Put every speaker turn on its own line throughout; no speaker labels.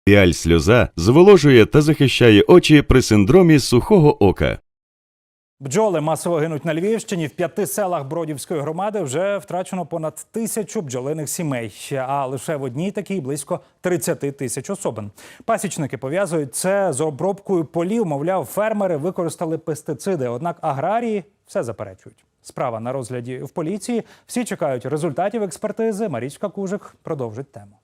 Піаль-сльоза зволожує та захищає очі при синдромі сухого ока.
Бджоли масово гинуть на Львівщині. В 5 селах Бродівської громади вже втрачено понад 1000 бджолиних сімей. А лише в одній такій близько 30 тисяч особин. Пасічники пов'язують це з обробкою полів. Мовляв, фермери використали пестициди. Однак аграрії все заперечують. Справа на розгляді в поліції. Всі чекають результатів експертизи. Марічка Кужик продовжить тему.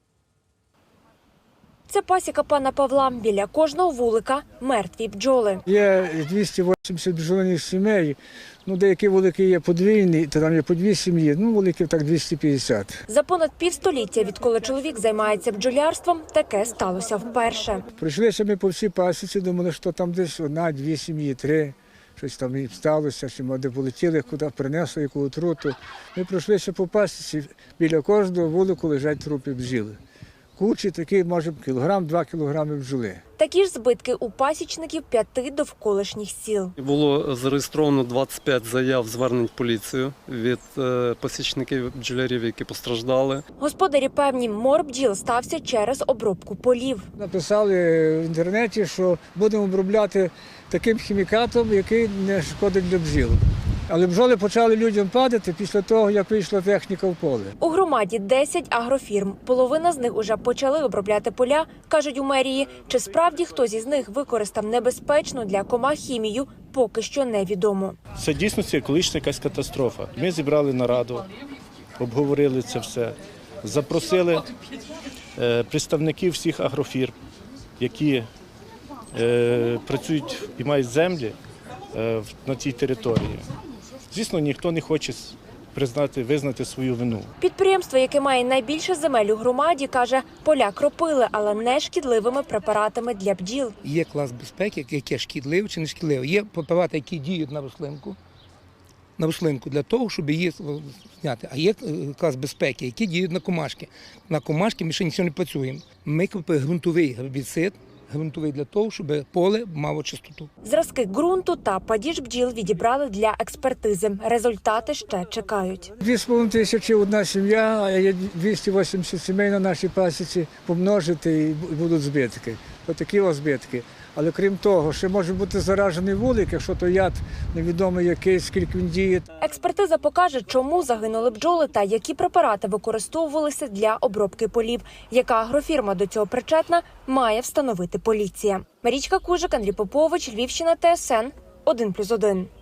Це пасіка пана Павла. Біля кожного вулика мертві бджоли.
Є 280 бджолиних сімей, деякі вулики є подвійні, то там є по 2 сім'ї, вуликів так 250.
За понад півстоліття, відколи чоловік займається бджолярством, таке сталося вперше.
Прийшлися ми по всій пасіці, думали, що там десь 1-2 сім'ї, 3, щось там і сталося, чи де полетіли, куди принесли, яку отруту. Ми пройшлися по пасіці, біля кожного вулику лежать трупи бджіли. Кучі такі, може, 1-2 кілограми бджоли.
Такі ж збитки у пасічників 5 довколишніх сіл.
Було зареєстровано 25 заяв звернень в поліцію від пасічників бджолярів, які постраждали.
Господарі певні, мор бджіл стався через обробку полів.
Написали в інтернеті, що будемо обробляти таким хімікатом, який не шкодить для бджіл. Але бджоли почали людям падати після того, як вийшла техніка в поле.
У громаді 10 агрофірм. Половина з них уже почали обробляти поля, кажуть у мерії. Чи справді хтось із них використав небезпечну для комах хімію, поки що невідомо.
Це дійсно екологічна якась катастрофа. Ми зібрали нараду, обговорили це все, запросили представників всіх агрофірм, які працюють і мають землі на цій території. Звісно, ніхто не хоче визнати свою вину.
Підприємство, яке має найбільше земель у громаді, каже, поля кропили, але не шкідливими препаратами для бджіл.
Є клас безпеки, яке шкідливе чи не шкідливе. Є препарати, які діють на рослинку для того, щоб її зняти. А є клас безпеки, які діють на комашки. На комашки ми ще нічого не працюємо. Ми купили ґрунтовий гербіцид, ґрунтовий для того, щоб поле мало чистоту.
Зразки ґрунту та падіж бджіл відібрали для експертизи. Результати ще чекають.
2500 одна сім'я, а є 280 сімей на нашій пасіці, помножити і будуть збитки. Отакі збитки. Але крім того, ще може бути заражений вулик, якщо то яд невідомо який, скільки він діє.
Експертиза покаже, чому загинули бджоли та які препарати використовувалися для обробки полів. Яка агрофірма до цього причетна, має встановити поліція. Марічка Кужик, Андрій Попович, Львівщина, ТСН 1+1.